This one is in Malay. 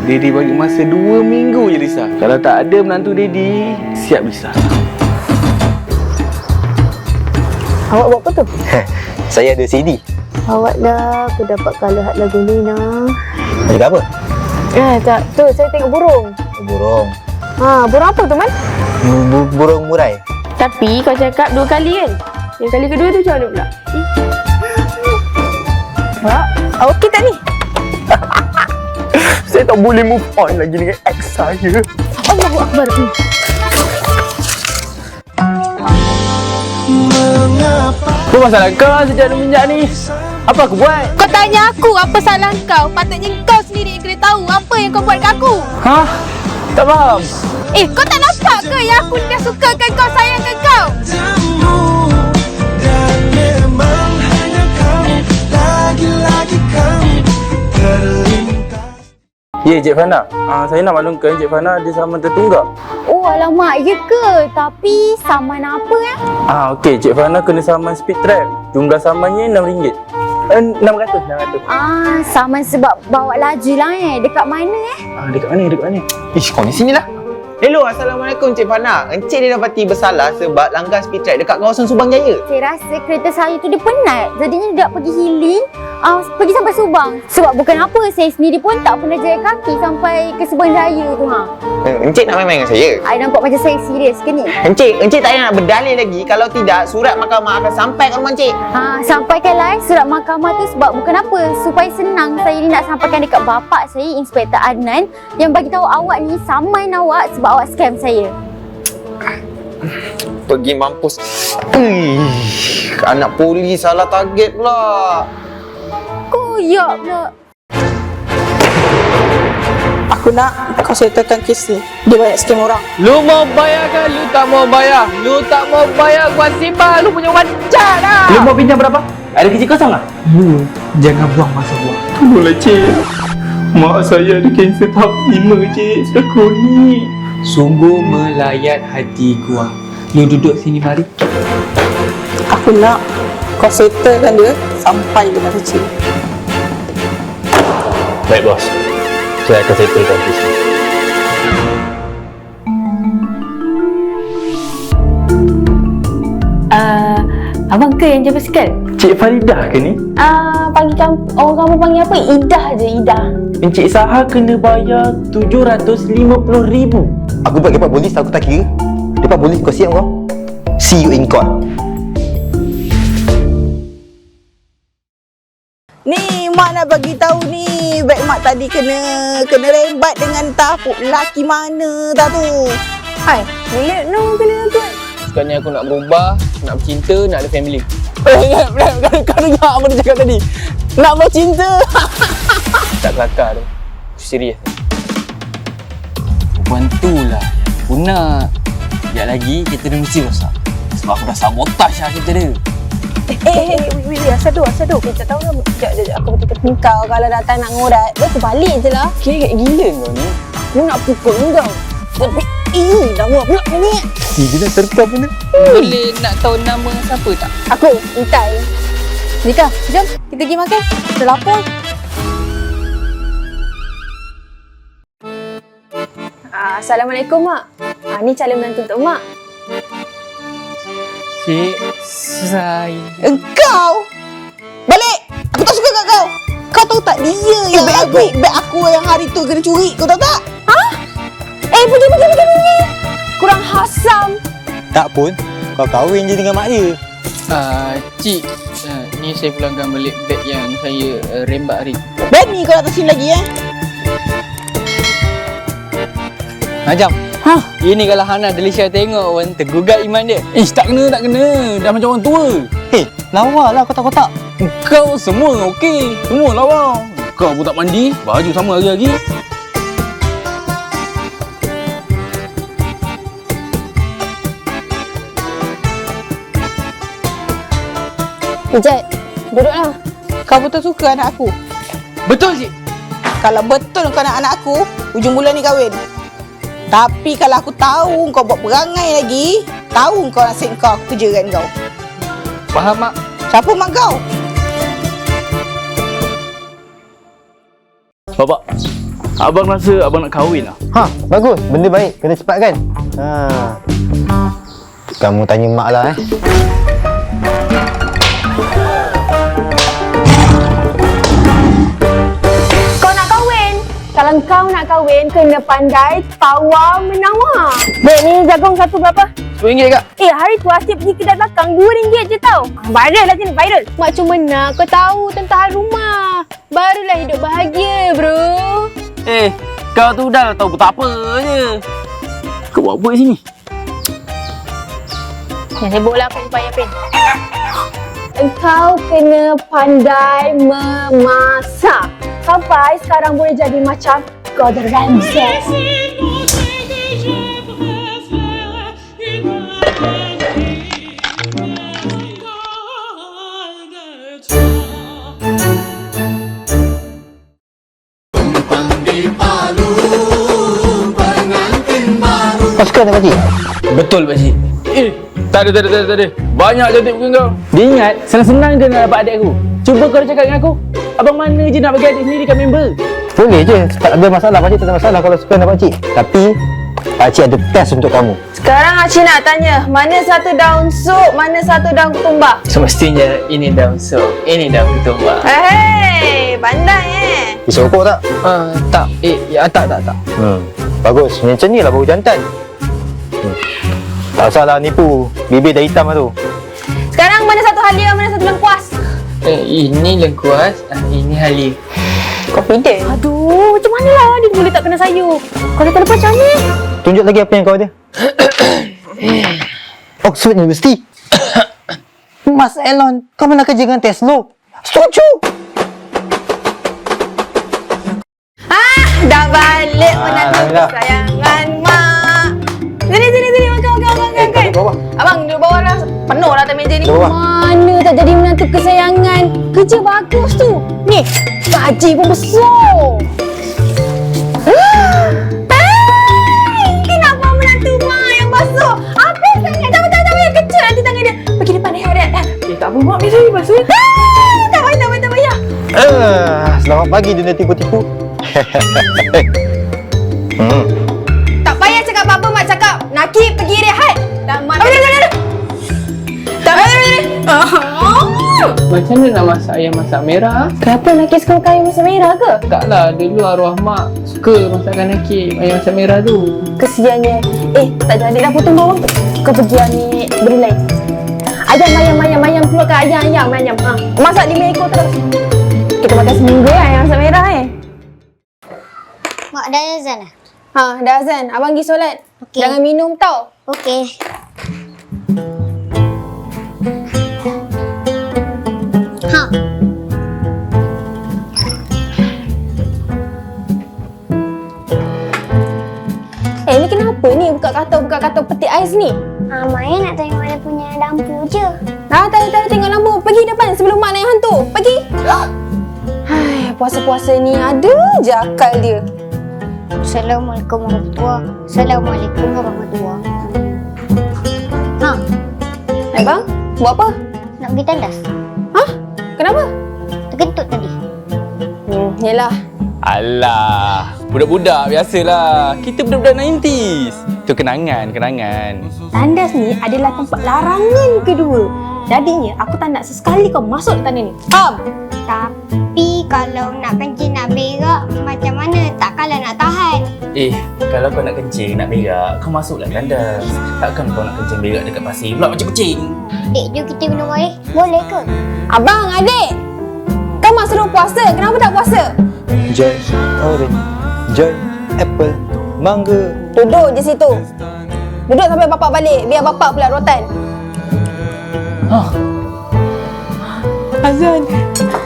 Daddy bagi masa 2 minggu je Lisa. Kalau tak ada menantu Daddy, siap Lisa. Awak buat apa tu? Saya ada CD. Awak dah, aku dapat kalahat lagu ni nah. Cakap apa? Tak, tu saya tengok burung. Burung. Burung apa tu, Man? Burung murai. Tapi kau cakap 2 kali kan? Yang kali kedua tu macam mana pula? Mak, awak okey tak ni? Saya tak boleh move on lagi dengan ex saya. Allahu Akbar. Apa masalah kau sejak semenjak ni? Apa aku buat? Kau tanya aku apa salah kau? Patutnya kau sendiri yang kena tahu apa yang kau buat kat aku. Hah? Tak faham. Kau tak nampak ke yang aku dah sukakan kau, sayangkan kau? Ya, Cik Fana. Saya nak maklumkan Cik Fana ada saman tertunggak. Oh, alamak, ya ke? Tapi saman apa Okey, Cik Fana kena saman speed trap. Jumlah samannya RM6. 600. Saman sebab bawa laju lah Dekat mana Dekat mana? Ish, kau ni sini lah. Hello, Assalamualaikum Cik Fana. Encik dia dapati bersalah sebab langgar speed trap dekat kawasan Subang Jaya. Saya rasa kereta saya tu dia penat. Jadinya dia nak pergi healing, pergi sampai Subang. Sebab bukan apa, saya sendiri pun tak pernah jalan kaki sampai ke Subang Jaya tu Encik nak main-main dengan saya? I nampak macam saya serius ke ni? Encik tak payah nak berdalil lagi. Kalau tidak, surat mahkamah akan sampai ke rumah encik. Sampaikanlah surat mahkamah tu sebab bukan apa. Supaya senang saya ni nak sampaikan dekat bapak saya, Inspektor Adnan, yang bagi tahu awak ni saman awak sebab awak scam saya. Pergi mampus. Anak polis salah target pula. Koyak pula. Aku nak kau settlekan kes ni. Dia banyak scam orang. Lu mau bayar ke lu tak mau bayar? Lu tak mau bayar gua simpan. Lu punya wajar lah. Lu mau pinjam berapa? Ada kerja kosong tak? Lu jangan buang masa gua. Tolonglah Cik. Mak saya ada kanser tahap 5 Cik. Sudah kronik. Sungguh melayat hati gua. Lu duduk sini mari. Aku nak kau settlekan dia sampai dia kecil. Baik, bos. Saya akan settlekan kes ni. Abang ke yang jaga basikal? Cik Faridah ke ni? Panggil orang kamu panggil apa? Idah je, Idah. Encik Saha kena bayar RM750,000. Aku buat dapat polis, aku tak kira. Dapat polis kau siap kau. See you in court. Ni mak nak bagi tahu ni, beg mak tadi kena rembat dengan tapuk lelaki mana dah tu. Hai, boleh no kena tuan. Sekarang ni aku nak berubah, nak bercinta, nak ada family. Kau dengar apa dia cakap tadi? Nak bercinta. Tak kelakar tu. Aku serius. Perempuan tu lah aku nak. Sekejap lagi kita dah mesti rosak. Sebab aku dah sabotaj lah kita dia. Asal tu. Kita tahu lah. Sekejap, aku betul-betul kau kalau datang nak ngorat, dia tu balik je lah. Kira kat gila kau ni. Aku nak pukul kau. Tapi, lawa pula ni. Dia nak terkam mana? Boleh nak tahu nama siapa tak? Aku, Intai. Nika, jom kita pergi makan. Dah lapar. Assalamualaikum, Mak. Ni calon menantu untuk Mak. Cik, saya... Engkau balik. Aku tak suka kat kau. Kau tahu tak dia yang beg aku yang hari tu kena curi. Kau tahu tak? Pergi. Kurang hasam. Tak pun, kau kahwin je dengan mak dia. Cik, ni saya pulangkan balik beg yang saya rembat hari. Berani kau datang sini lagi Najam. Ini kalau Hana Delisha tengok pun tergugat iman dia. Tak kena. Dah macam orang tua. Lawa lah kotak-kotak. Kau semua okey. Semua lawa. Kau pun tak mandi. Baju sama hari-hari. Ijat, duduklah. Kau betul suka anak aku? Betul Cik. Kalau betul kau nak anak aku, hujung bulan ni kahwin. Tapi kalau aku tahu kau buat perangai lagi, tahu kau nasib kau, aku kerjakan kau. Faham, Mak? Siapa mak kau? Bapak, Abang rasa abang nak kahwin lah. Ha, bagus. Benda baik. Kena cepatkan. Ha. Kamu tanya mak lah Kau nak kahwin? Kalau kau nak kahwin, kena pandai tawar menawar. Dek, ni jagung satu berapa? RM10 kak. Hari tu Asyik pergi kedai belakang RM2 je tau. Viral lah sini, viral. Mak cuma nak kau tahu tentang rumah. Barulah hidup bahagia, bro. Kau tu dah tahu tak apa je. Kau buat apa kat sini? Yang sibuk lah aku supaya Pin. Engkau kena pandai memasak. Sampai sekarang boleh jadi macam Gordon Ramsay. Kau suka tak pakcik? Betul pakcik. Tak ada. Banyak cantik muka kau. Dia ingat senang-senang je nak dapat adik aku. Cuba kau cakap dengan aku. Abang mana je nak bagi adik sendiri kat member? Boleh je. Tak ada masalah. Pakcik tak ada masalah kalau suka dengan pakcik. Tapi pakcik ada test untuk kamu. Sekarang Acik nak tanya, mana satu daun sup, mana satu daun ketumbar? Semestinya ini daun sup, ini daun ketumbar. Hei, pandai Bisa ukur tak? Tak. Tak. Bagus. Macam ni lah baru jantan. Tak salah nipu. Bibir dah hitam lah tu. Sekarang mana satu halia, mana satu lengkuas? Ini lengkuas, ini halia. Confident. Aduh, macam mana lah dia boleh tak kena sayur? Kalau tak lepas macam ni? Tunjuk lagi apa yang kau ada. Oxford University. Mas Elon, kau pernah kerja dengan Tesla? Setuju. Dah balik menantu Alhamdulillah. kesayangan mak. Sini, makan. Bawah. Abang, duduk bawah lah. Penuh lah atas meja ni. Bawah. Mana tak jadi menantu kesayangan? Kerja bagus tu. Ni, gaji pun besar. Kenapa menantu mak yang basuh? Apa sangat? Tak payah kecil nanti tangan dia. Pergi depan dia, Adat. Tak apa mak, biasa je basuh. Tak payah. Selamat pagi dunia tipu-tipu. Tak payah cakap apa-apa, mak cakap. Nakib pergi rehat. Tak mak. Tak payah. Macam mana nak masak ayam masak merah? Kenapa Nakib suka makan ayam masak merah ke? Taklah, dulu arwah mak suka masakan Nakib ayam masak merah tu. Kesiannya. Tak jadi dah potong bawang. Kau pergi ambil benda lain. Ayam. Keluarkan ayam. Masak 5 ekor terus. Kita makan seminggu ayam masak merah Mak dah azan lah. Dah azan. Abang pergi solat. Okey. Jangan minum tau. Okey. Ni kenapa ni buka katalog peti ais ni? Maya nak tengok dia punya lampu je. Tak ada tengok lampu. Pergi depan sebelum mak naik hantu. Pergi. Hai, puasa-puasa ni ada je akal dia. Assalamualaikum warahmatullahi. Abang, buat apa? Nak pergi tandas. Kenapa? Terkentut tadi. Yelah. Alah, budak-budak biasalah. Kita budak-budak 90s. Itu kenangan. Tandas ni adalah tempat larangan kedua. Jadinya aku tak nak sesekali kau masuk di tandas ni. Tapi kalau nak kencing nak berak macam mana? Takkanlah nak tahan. Kalau kau nak kencing, nak berak, kau masuklah tandas. Takkan kau nak kencing berak dekat pasir pula macam kucing. Dek, jom kita minum air. Boleh ke? Abang, adik. Kau mak suruh puasa. Kenapa tak puasa? Joy orange, joy apple, mangga. Duduk je situ. Duduk sampai bapak balik. Biar bapak pula rotan. Azan.